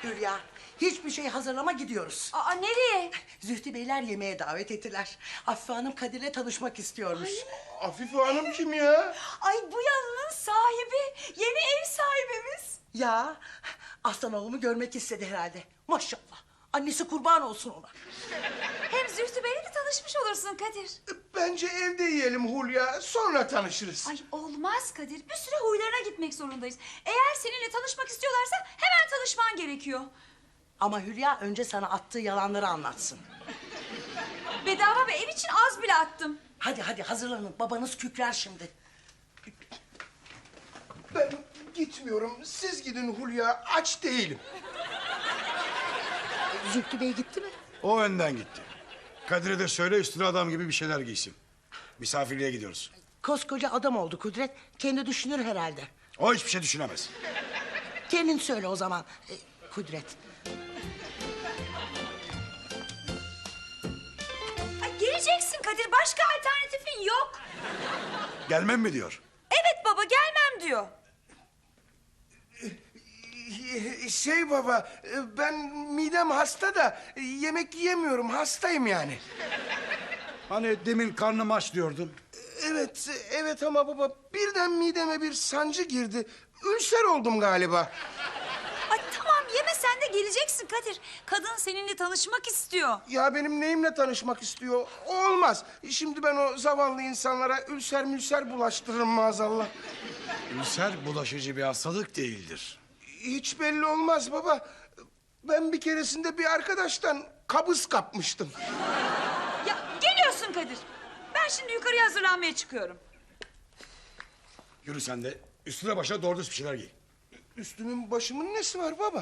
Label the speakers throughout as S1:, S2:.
S1: Hülya, hiçbir şey hazırlama, gidiyoruz.
S2: Aa, nereye?
S1: Zühtü Beyler yemeğe davet ettiler. Afife Hanım Kadir'le tanışmak istiyormuş.
S3: Afife Hanım kim ya?
S2: Ay, bu yanının sahibi. Yeni ev sahibimiz.
S1: Ya, aslan oğlumu görmek istedi herhalde. Maşallah. Annesi kurban olsun ona.
S2: Hem Zühtü Bey'le de tanışmış olursun Kadir.
S3: Bence evde yiyelim Hulya, sonra tanışırız.
S2: Ay, olmaz Kadir. Bir süre huylarına gitmek zorundayız. Eğer seninle tanışmak istiyorlarsa hemen tanışman gerekiyor.
S1: Ama Hülya önce sana attığı yalanları anlatsın.
S2: Bedava bir ev için az bile attım.
S1: Hadi hadi hazırlanın, babanız kükrer şimdi.
S3: Ben gitmiyorum, siz gidin Hulya, aç değilim.
S1: Zühtü Bey gitti mi?
S4: O önden gitti. Kadir'e de söyle üstüne adam gibi bir şeyler giysin. Misafirliğe gidiyoruz.
S1: Koskoca adam oldu Kudret. Kendi düşünür herhalde.
S4: O hiçbir şey düşünemez.
S1: Kendin söyle o zaman Kudret.
S2: Ay, geleceksin Kadir. Başka alternatifin yok.
S4: Gelmem mi diyor.
S2: Evet baba, gelmem diyor.
S3: Şey baba, ben midem hasta da yemek yiyemiyorum, hastayım yani.
S4: Hani demin karnım aç diyordun.
S3: Evet, evet ama baba birden mideme bir sancı girdi. Ülser oldum galiba.
S2: Ay tamam, yeme sen de, geleceksin Kadir. Kadın seninle tanışmak istiyor.
S3: Ya benim neyimle tanışmak istiyor? Olmaz. Şimdi ben o zavallı insanlara ülser mülser bulaştırırım maazallah.
S4: Ülser bulaşıcı bir hastalık değildir.
S3: Hiç belli olmaz baba. Ben bir keresinde bir arkadaştan kabız kapmıştım.
S2: Ya geliyorsun Kadir. Ben şimdi yukarıya hazırlanmaya çıkıyorum.
S4: Yürü sen de üstüne başa doğru düz bir şeyler giy.
S3: Üstümün başımın nesi var baba?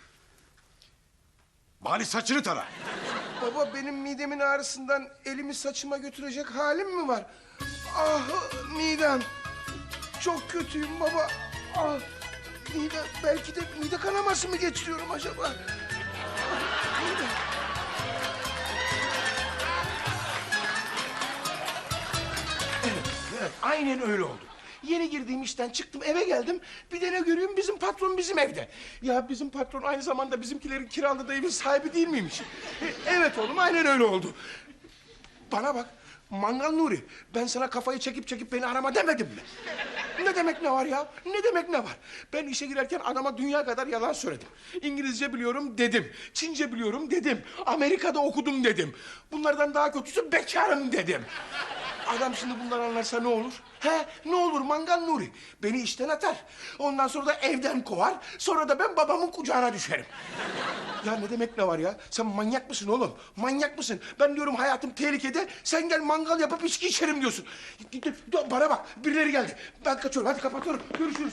S4: Bari saçını tara.
S3: Baba benim midemin ağrısından elimi saçıma götürecek halim mi var? Ah midem. Çok kötüyüm baba. Ah mide, belki de mide kanaması mı geçiriyorum acaba? Mide. Evet, aynen öyle oldu. Yeni girdiğim işten çıktım, eve geldim. Bir de ne görüyorum, bizim patron bizim evde. Ya bizim patron aynı zamanda bizimkilerin kiraladığı evin sahibi değil miymiş? Evet oğlum, aynen öyle oldu. Bana bak, Mangal Nuri, ben sana kafayı çekip çekip beni arama demedim mi? Ne demek ne var ya? Ne demek ne var? Ben işe girerken adama dünya kadar yalan söyledim. İngilizce biliyorum dedim. Çince biliyorum dedim. Amerika'da okudum dedim. Bunlardan daha kötüsü bekarım dedim. Adam şimdi bunları anlarsa ne olur? He, ne olur Mangal Nuri? Beni işten atar. Ondan sonra da evden kovar. Sonra da ben babamın kucağına düşerim. Ya ne demek ne var ya? Sen manyak mısın oğlum? Manyak mısın? Ben diyorum hayatım tehlikede. Sen gel mangal yapıp içki içerim diyorsun. Bana bak, birileri geldi. Ben kaçıyorum, hadi kapatıyorum. Görüşürüz.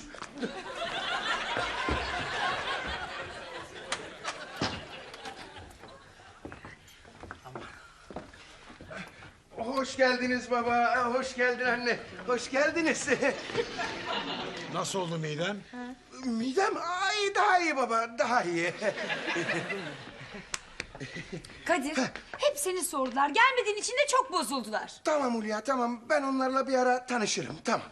S3: Hoş geldiniz baba, hoş geldin anne. Hoş geldiniz.
S4: Nasıl oldu miden?
S3: Midem, ay daha iyi baba, daha iyi.
S2: Kadir, hep seni sordular. Gelmediğin için de çok bozuldular.
S3: Tamam Hulya, tamam. Ben onlarla bir ara tanışırım, tamam.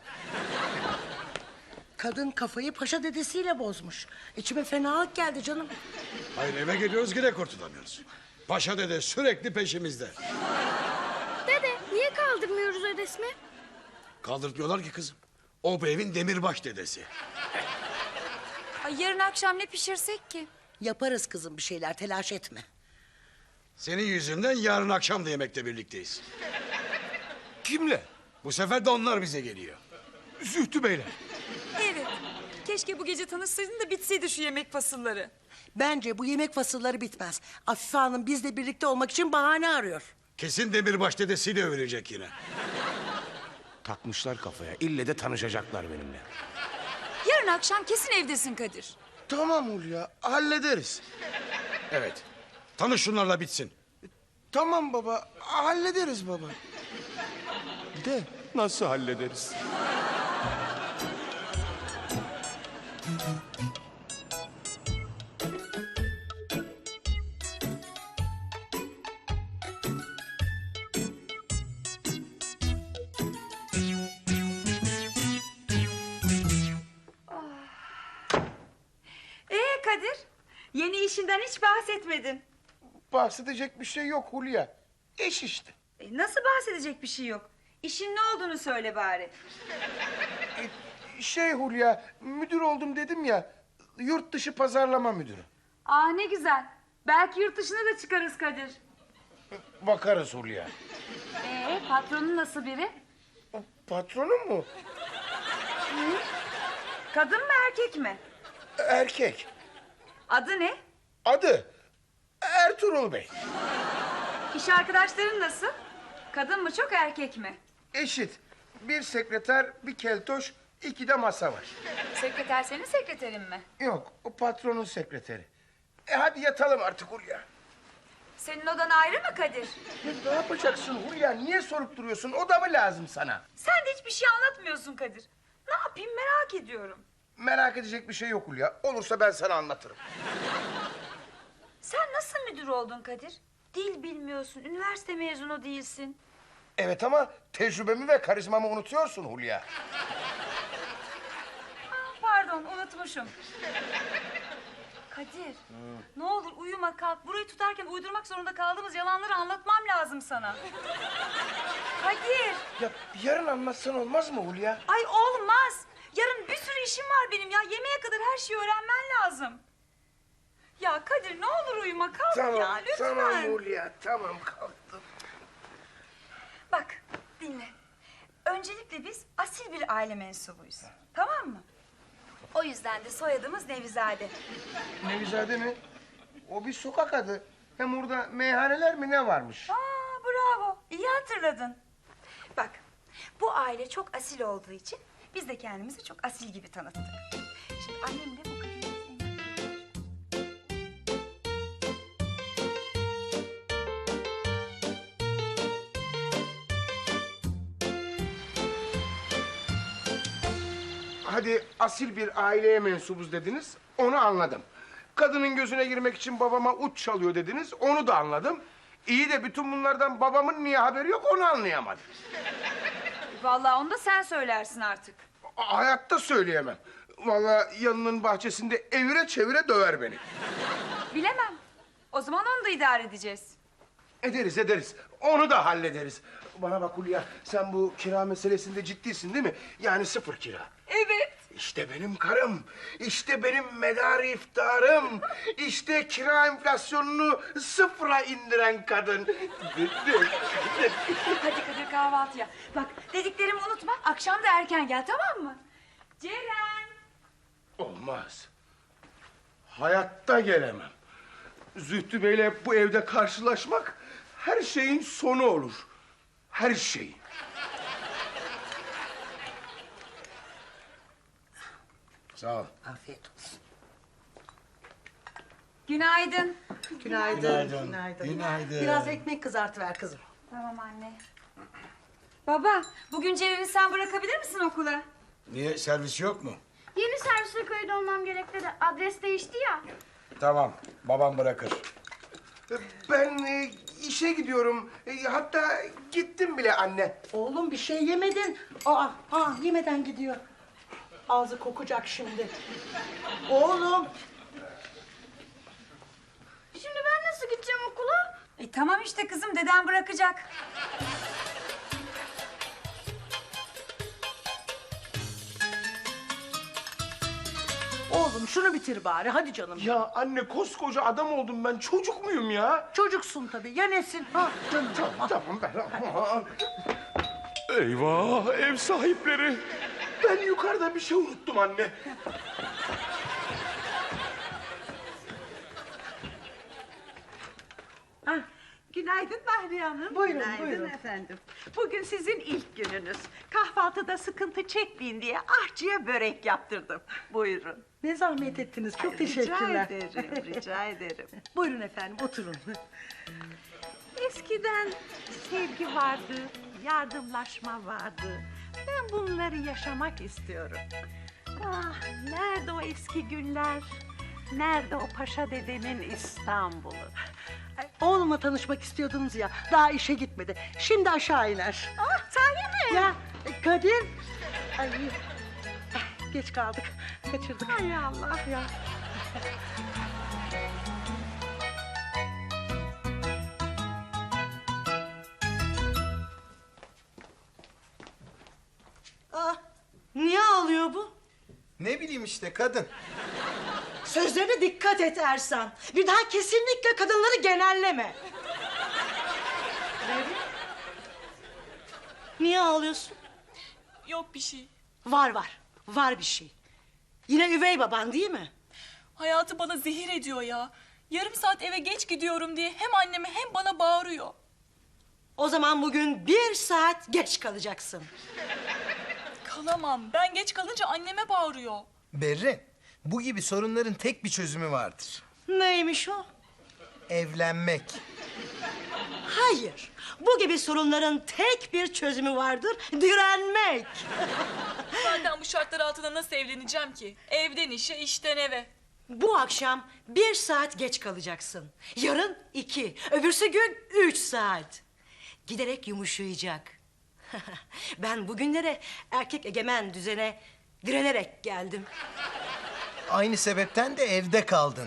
S1: Kadın kafayı paşa dedesiyle bozmuş. İçime fenalık geldi canım.
S4: Hayır eve geliyoruz yine kurtulamıyoruz. Paşa dede sürekli peşimizde.
S5: Dede niye kaldırmıyoruz o resmi?
S4: Kaldırtmıyorlar ki kızım. O bu evin demirbaş dedesi.
S2: Ay, yarın akşam ne pişirsek ki?
S1: Yaparız kızım bir şeyler, telaş etme.
S4: Senin yüzünden yarın akşam da yemekte birlikteyiz.
S3: Kimle?
S4: Bu sefer de onlar bize geliyor.
S3: Zühtü Bey'le.
S2: Evet. Keşke bu gece tanışsaydın da bitseydi şu yemek fasılları.
S1: Bence bu yemek fasılları bitmez. Afife Hanım bizle birlikte olmak için bahane arıyor.
S4: Kesin demirbaş dedesiyle övülecek yine.
S3: Takmışlar kafaya. İlle de tanışacaklar benimle.
S2: Yarın akşam kesin evdesin Kadir.
S3: Tamam Hulya, hallederiz.
S4: Evet. Tanış şunlarla bitsin.
S3: Tamam baba, hallederiz baba. De nasıl hallederiz?
S2: Kadir, Yeni işinden hiç bahsetmedin.
S3: Bahsedecek bir şey yok Hulya. İş işte.
S2: Nasıl bahsedecek bir şey yok? İşin ne olduğunu söyle bari.
S3: Şey Hulya, müdür oldum dedim ya. Yurt dışı pazarlama müdürü.
S2: Aa ne güzel. Belki yurt dışına da çıkarız Kadir.
S3: Bakarız Hulya.
S2: Patronun nasıl biri?
S3: Patronum mu?
S2: Kadın mı erkek mi?
S3: Erkek.
S2: Adı ne?
S3: Adı Ertuğrul Bey.
S2: İş arkadaşların nasıl? Kadın mı çok erkek mi?
S3: Eşit. Bir sekreter, bir keltoş, 2 de masa var.
S2: Sekreter senin sekreterin mi?
S3: Yok, o patronun sekreteri. Hadi yatalım artık Hulya.
S2: Senin odan ayrı mı Kadir?
S3: Ya ne yapacaksın Hulya? Niye sorup duruyorsun? O da mı lazım sana?
S2: Sen de hiçbir şey anlatmıyorsun Kadir. Ne yapayım merak ediyorum.
S3: Merak edecek bir şey yok Hulya. Olursa ben sana anlatırım.
S2: Sen nasıl müdür oldun Kadir? Dil bilmiyorsun, üniversite mezunu değilsin.
S3: Evet ama tecrübemi ve karizmamı unutuyorsun Hulya.
S2: Pardon, unutmuşum. Kadir, ne olur uyuma kalk. Burayı tutarken uydurmak zorunda kaldığımız yalanları anlatmam lazım sana. Kadir,
S3: Ya yarın anlatsan olmaz mı Hulya?
S2: ay olmaz. Yarın bir sürü işim var benim ya. Yemeğe kadar her şeyi öğrenmen lazım. Ya Kadir ne olur uyuma kalk ya lütfen.
S3: Tamam Hulya, tamam kalktım.
S2: Bak dinle. Öncelikle biz asil bir aile mensubuyuz. Tamam mı? O yüzden de soyadımız Nevizade.
S3: Nevizade mi? O bir sokak adı. Hem orada meyhaneler mi ne varmış?
S2: Aa bravo. İyi hatırladın. Bak bu aile çok asil olduğu için biz de kendimizi çok asil gibi tanıttık. Şimdi annem de bu kadını
S3: Hadi asil bir aileye mensubuz dediniz, onu anladım. Kadının gözüne girmek için babama uç çalıyor dediniz, onu da anladım. İyi de bütün bunlardan babamın niye haberi yok onu anlayamadım.
S2: Vallahi onu da sen söylersin artık.
S3: Hayatta söyleyemem. Vallahi yanının bahçesinde evire çevire döver beni.
S2: Bilemem. O zaman onu da idare edeceğiz.
S3: Ederiz ederiz, onu da hallederiz. Bana bak Hulya, sen bu kira meselesinde ciddisin değil mi? Yani 0 kira.
S2: Evet.
S3: İşte benim karım, işte benim medarı iftarım, işte kira enflasyonunu 0'a indiren kadın.
S2: Hadi Kadir kahvaltıya. Bak dediklerimi unutma. Akşam da erken gel tamam mı? Ceren.
S3: Olmaz. Hayatta gelemem. Zühtü Bey'le bu evde karşılaşmak her şeyin sonu olur. Her şeyin.
S4: Sağ ol.
S1: Afiyet olsun.
S2: Günaydın.
S1: Günaydın.
S4: Günaydın. Günaydın.
S1: Biraz ekmek kızartıver kızım.
S2: Tamam anne. Baba, bugün Ceren'i sen bırakabilir misin okula?
S4: Niye, servis yok mu?
S5: Yeni servise kayıt olmam gerek dedi. Adres değişti ya.
S4: Tamam, babam bırakır.
S3: Ben işe gidiyorum. Hatta gittim bile anne.
S1: Oğlum bir şey yemedin. Yemeden gidiyor. Ağzı kokacak şimdi. Oğlum.
S5: Şimdi ben nasıl gideceğim okula?
S2: Tamam işte kızım, deden bırakacak.
S1: Oğlum şunu bitir bari hadi canım.
S3: Ya anne koskoca adam oldum ben. Çocuk muyum ya?
S1: Çocuksun tabii. Ya nesin? Canım.
S3: Tamam ben... Aman. Eyvah ev sahipleri. Ben yukarıda bir şey unuttum anne.
S6: Günaydın Bahriye Hanım.
S1: Buyurun,
S6: Günaydın
S1: buyurun.
S6: efendim. Bugün sizin ilk gününüz. Kahvaltıda sıkıntı çekmeyin diye ahçıya börek yaptırdım. Buyurun.
S1: Ne zahmet ettiniz. Çok teşekkürler.
S6: Rica ederim, rica ederim.
S1: Buyurun efendim oturun.
S6: Eskiden sevgi vardı, yardımlaşma vardı. Ben bunları yaşamak istiyorum. Ah, nerede o eski günler? Nerede o Paşa dedenin İstanbul'u?
S1: Ay, oğlumla tanışmak istiyordunuz ya. Daha işe gitmedi. Şimdi aşağı iner.
S6: Ah, sahi mi?
S1: Ya Kadir. Ay, geç kaldık. Kaçırdık.
S6: Hay Allah.
S1: Ya.
S7: söyleyeyim işte kadın.
S1: Sözlerine dikkat et Ersan. Bir daha kesinlikle kadınları genelleme. Berrin? Niye ağlıyorsun?
S8: Yok bir şey.
S1: Var bir şey. Yine üvey baban değil mi?
S8: Hayatı bana zehir ediyor ya. Yarım saat eve geç gidiyorum diye hem anneme hem bana bağırıyor.
S1: O zaman bugün 1 saat geç kalacaksın.
S8: Kalamam. Ben geç kalınca anneme bağırıyor.
S7: Berrin, bu gibi sorunların tek bir çözümü vardır.
S1: Neymiş o?
S7: Evlenmek.
S1: Hayır. Bu gibi sorunların tek bir çözümü vardır. Direnmek.
S8: Zaten bu şartlar altında nasıl evleneceğim ki? Evden işe, işten eve.
S1: Bu akşam 1 saat geç kalacaksın. Yarın 2, öbürsü gün 3 saat. Giderek yumuşayacak. Ben bugünlere erkek egemen düzene direnerek geldim.
S7: Aynı sebepten de evde kaldın.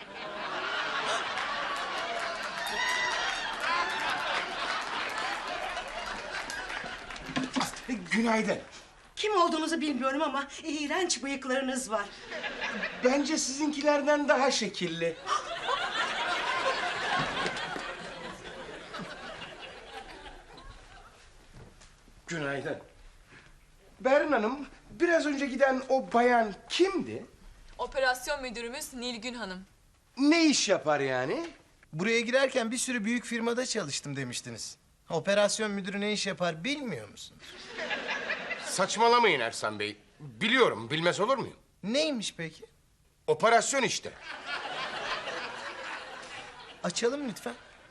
S3: Günaydın.
S1: Kim olduğunuzu bilmiyorum ama iğrenç bıyıklarınız var.
S3: Bence sizinkilerden daha şekilli. Günaydın. Berrin Hanım, biraz önce giden o bayan kimdi?
S8: Operasyon müdürümüz Nilgün Hanım.
S3: Ne iş yapar yani?
S7: Buraya girerken bir sürü büyük firmada çalıştım demiştiniz. Operasyon müdürü ne iş yapar bilmiyor musunuz?
S3: Saçmalamayın Ersan Bey. Biliyorum, bilmez olur muyum?
S7: Neymiş peki?
S3: Operasyon işte.
S7: Açalım lütfen.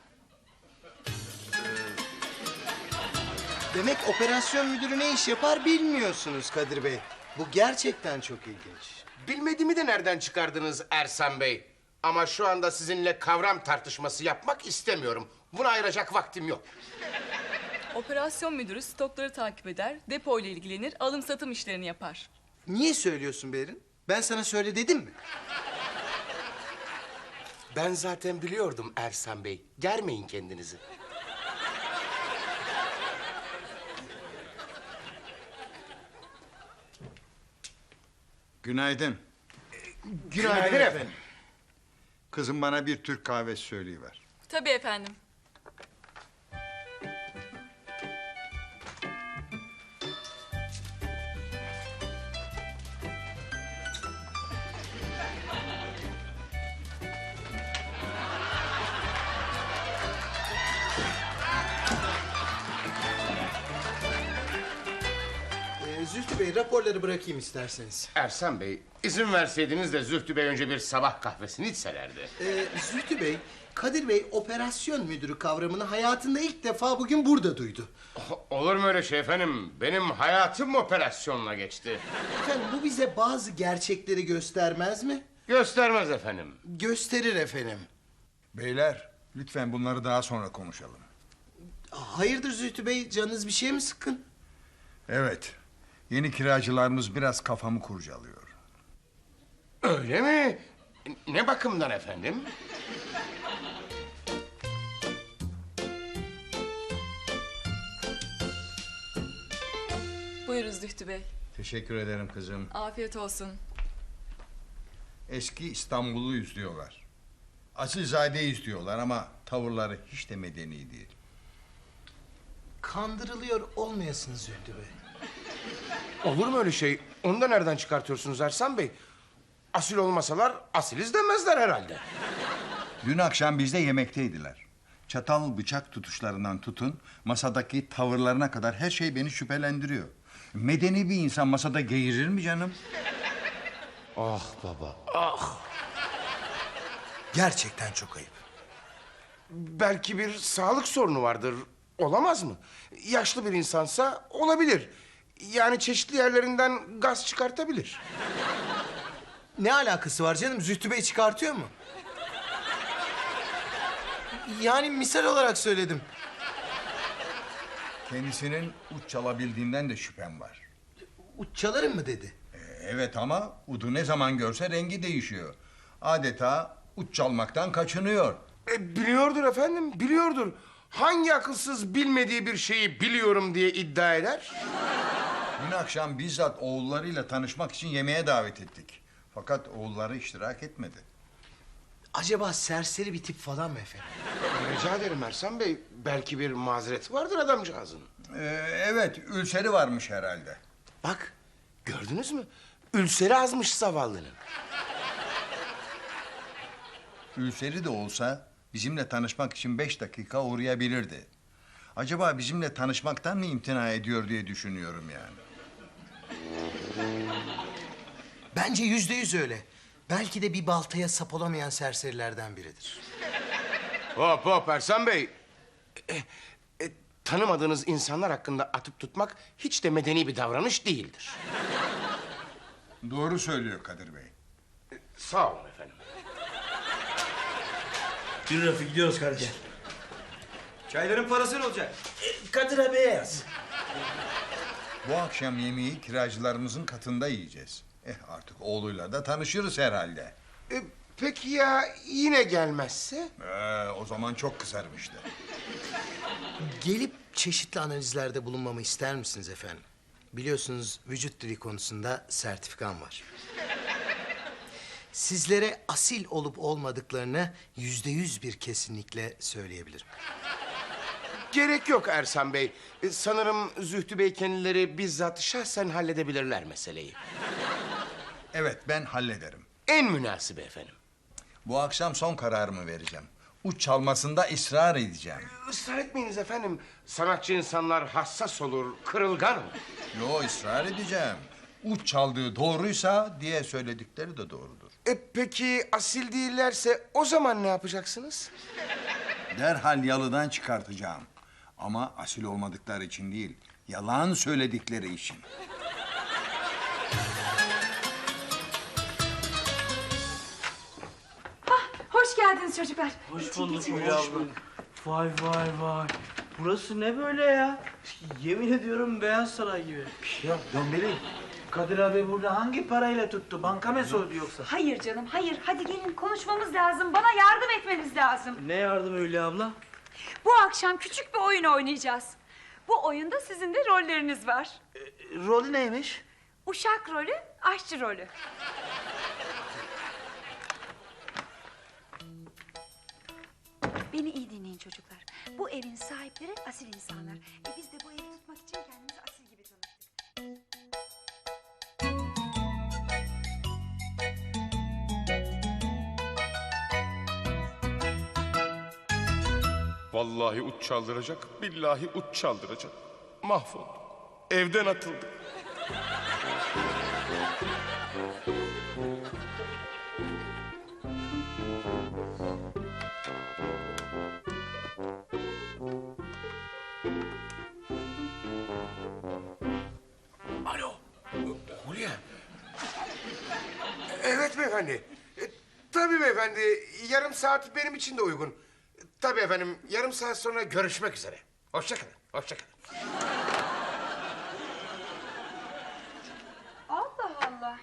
S7: Demek operasyon müdürü ne iş yapar bilmiyorsunuz Kadir Bey. Bu gerçekten çok ilginç.
S3: Bilmediğimi de nereden çıkardınız Ersan Bey? Ama şu anda sizinle kavram tartışması yapmak istemiyorum. Buna ayıracak vaktim yok.
S8: Operasyon müdürü stokları takip eder, depo ile ilgilenir, alım satım işlerini yapar.
S7: Niye söylüyorsun Berin? Ben sana söyle dedim mi?
S3: Ben zaten biliyordum Ersan Bey. Germeyin kendinizi.
S4: Günaydın.
S3: Günaydın efendim.
S4: Kızım bana bir Türk kahvesi söyleyiver.
S8: Tabii efendim.
S7: Zühtü Bey raporları bırakayım isterseniz.
S3: Ersan Bey, izin verseydiniz de Zühtü Bey önce bir sabah kahvesini içselerdi.
S7: Zühtü Bey, Kadir Bey operasyon müdürü kavramını hayatında ilk defa bugün burada duydu.
S3: Olur mu öyle şey efendim? Benim hayatım operasyonla geçti.
S7: Efendim bu bize bazı gerçekleri göstermez mi?
S3: Göstermez efendim.
S7: Gösterir efendim.
S4: Beyler, lütfen bunları daha sonra konuşalım.
S7: Hayırdır Zühtü Bey, canınız bir şey mi sıkkın?
S4: Evet, yeni kiracılarımız biraz kafamı kurcalıyor.
S3: Öyle mi? Ne bakımdan efendim?
S8: Buyurun Zühtü Bey.
S4: Teşekkür ederim kızım.
S8: Afiyet olsun.
S4: Eski İstanbul'u diyorlar. Asilzade'yi diyorlar ama tavırları hiç de medeni değil.
S7: Kandırılıyor olmayasınız Zühtü Bey.
S3: Olur mu öyle şey? Onu da nereden çıkartıyorsunuz Ersan Bey? Asil olmasalar asiliz demezler herhalde.
S4: Dün akşam bizde yemekteydiler. Çatal bıçak tutuşlarından tutun, masadaki tavırlarına kadar her şey beni şüphelendiriyor. Medeni bir insan masada geğirir mi canım?
S3: Ah baba, ah.
S7: Gerçekten çok ayıp.
S3: Belki bir sağlık sorunu vardır. Olamaz mı? Yaşlı bir insansa olabilir. Yani çeşitli yerlerinden gaz çıkartabilir.
S7: Ne alakası var canım? Zühtü Bey çıkartıyor mu? Yani misal olarak söyledim.
S4: Kendisinin uç çalabildiğinden de şüphem var.
S7: Uç çalarım mı dedi?
S4: Evet ama udu ne zaman görse rengi değişiyor. Adeta uç çalmaktan kaçınıyor.
S3: Biliyordur efendim, biliyordur. Hangi akılsız bilmediği bir şeyi biliyorum diye iddia eder?
S4: Dün akşam bizzat oğullarıyla tanışmak için yemeğe davet ettik. Fakat oğulları iştirak etmedi.
S7: Acaba serseri bir tip falan mı efendim?
S3: Rica ederim Ersan Bey. Belki bir mazereti vardır adamcağızın.
S4: Evet, ülseri varmış herhalde.
S3: Bak, gördünüz mü? Ülseri azmış zavallının.
S4: Ülseri de olsa bizimle tanışmak için 5 dakika uğrayabilirdi. Acaba bizimle tanışmaktan mı imtina ediyor diye düşünüyorum yani.
S7: Bence %100 öyle. Belki de bir baltaya sap olamayan serserilerden biridir.
S3: Hop hop Ersan Bey. Tanımadığınız insanlar hakkında atıp tutmak hiç de medeni bir davranış değildir.
S4: Doğru söylüyor Kadir Bey.
S3: Sağ olun efendim.
S9: Yürü Rafi gidiyoruz kardeşim. Çayların parası ne olacak? Kadir abiye yaz.
S4: Bu akşam yemeği kiracılarımızın katında yiyeceğiz. Artık oğluyla da tanışırız herhalde.
S3: Peki ya yine gelmezse?
S4: O zaman çok kızarım işte.
S7: Gelip çeşitli analizlerde bulunmamı ister misiniz efendim? Biliyorsunuz vücut dili konusunda sertifikam var. Sizlere asil olup olmadıklarını %100 bir kesinlikle söyleyebilirim.
S3: Gerek yok Ersan Bey. Sanırım Zühtü Bey kendileri bizzat şahsen halledebilirler meseleyi.
S4: Evet, ben hallederim.
S3: En münasibi efendim.
S4: Bu akşam son kararımı vereceğim. Uç çalmasında ısrar edeceğim.
S3: Israr etmeyiniz efendim. Sanatçı insanlar hassas olur, kırılgan olur.
S4: Yo, ısrar edeceğim. Uç çaldığı doğruysa diye söyledikleri de doğrudur.
S3: Peki asil değillerse o zaman ne yapacaksınız?
S4: Derhal yalıdan çıkartacağım. Ama asil olmadıkları için değil, yalan söyledikleri için.
S2: Hoş geldiniz çocuklar.
S9: Hoş bulduk Hülya abla. Vay vay vay. Burası ne böyle ya? Yemin ediyorum Beyaz Saray gibi. Ya Dombeli, Kadir abi burada hangi parayla tuttu? Banka mı soydu yoksa?
S2: Hayır canım, hayır. Hadi gelin konuşmamız lazım. Bana yardım etmeniz lazım.
S9: Ne yardım Hülya abla?
S2: Bu akşam küçük bir oyun oynayacağız. Bu oyunda sizin de rolleriniz var.
S9: Rolü neymiş?
S2: Uşak rolü, aşçı rolü. Beni iyi dinleyin çocuklar. Bu evin sahipleri asil insanlar. Biz de bu evi tutmak için kendimizi asil gibi tanıttık.
S3: Vallahi uç çaldıracak, billahi uç çaldıracak. Mahvoldum. Evden atıldım. Alo, Hulya. Evet beyefendi. Tabii beyefendi, yarım saat benim için de uygun. Tabii efendim, yarım saat sonra görüşmek üzere. Hoşça kalın, hoşça kalın.
S2: Allah Allah.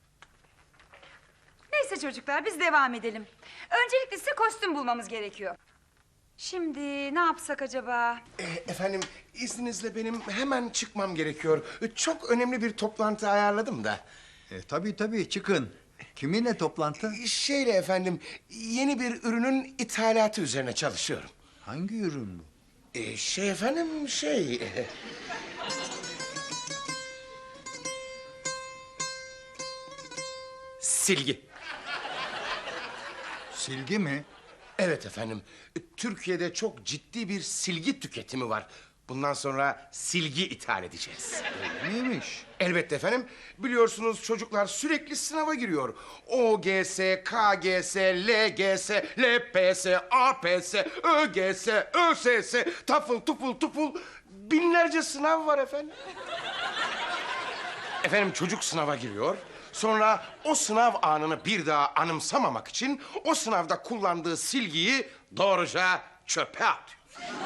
S2: Neyse çocuklar biz devam edelim. Öncelikle size kostüm bulmamız gerekiyor. Şimdi ne yapsak acaba?
S3: Efendim, izninizle benim hemen çıkmam gerekiyor. Çok önemli bir toplantı ayarladım da.
S4: Tabii çıkın. Kiminle toplantı?
S3: Şeyle efendim, yeni bir ürünün ithalatı üzerine çalışıyorum.
S4: Hangi ürün bu?
S3: Silgi.
S4: Silgi mi?
S3: Evet efendim, Türkiye'de çok ciddi bir silgi tüketimi var. Bundan sonra silgi ithal edeceğiz.
S4: Neymiş?
S3: Elbette efendim. Biliyorsunuz çocuklar sürekli sınava giriyor. OGS, KGS, LGS, LPS, APS, ÖGS, ÖSS, TOEFL, TOEFL. Binlerce sınav var efendim. Efendim çocuk sınava giriyor. Sonra o sınav anını bir daha anımsamamak için o sınavda kullandığı silgiyi doğruca çöpe atıyor.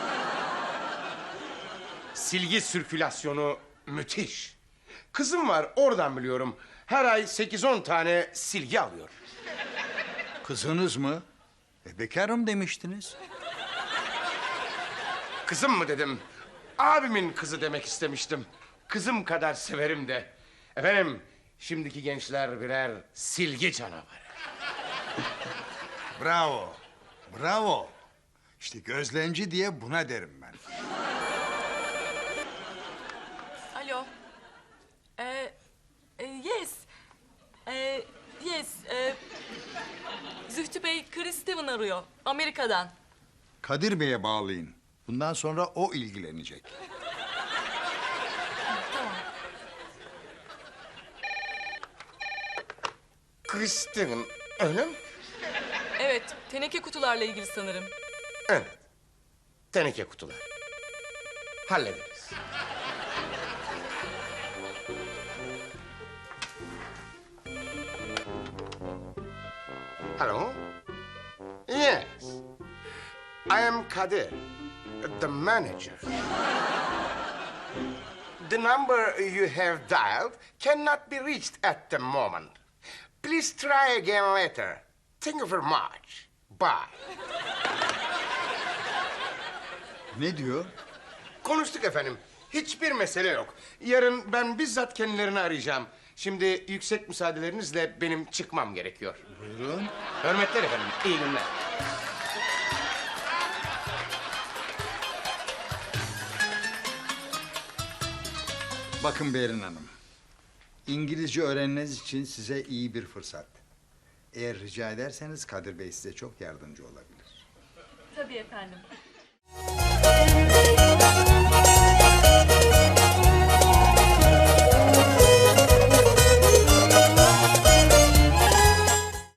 S3: Silgi sirkülasyonu müthiş. Kızım var, oradan biliyorum. Her ay 8-10 tane silgi alıyor.
S4: Kızınız mı? Bekarım demiştiniz.
S3: Kızım mı dedim? Abimin kızı demek istemiştim. kızım kadar severim de. Efendim, şimdiki gençler birer silgi canavarı.
S4: Bravo, bravo. İşte gözlemci diye buna derim ben.
S8: Alo. Yes. Yes. Zühtü Bey, Chris Steven arıyor. Amerika'dan.
S4: Kadir Bey'e bağlayın. Bundan sonra o ilgilenecek.
S3: Chris Steven, öyle mi?
S8: Evet, teneke kutularla ilgili sanırım.
S3: Evet. Teneke kutular. Hallederiz. Hello? Yes. I am Kadir, the manager. The number you have dialed cannot be reached at the moment. Please try again later. Thank you very much. Bye.
S4: Ne diyor?
S3: Konuştuk efendim. Hiçbir mesele yok. Yarın ben bizzat kendilerini arayacağım. Şimdi yüksek müsaadelerinizle benim çıkmam gerekiyor.
S4: Buyurun.
S3: Hürmetler efendim. İyi günler.
S4: Bakın Berin Hanım. İngilizce öğrenmeniz için size iyi bir fırsat. Eğer rica ederseniz Kadir Bey size çok yardımcı olabilir.
S8: Tabii efendim.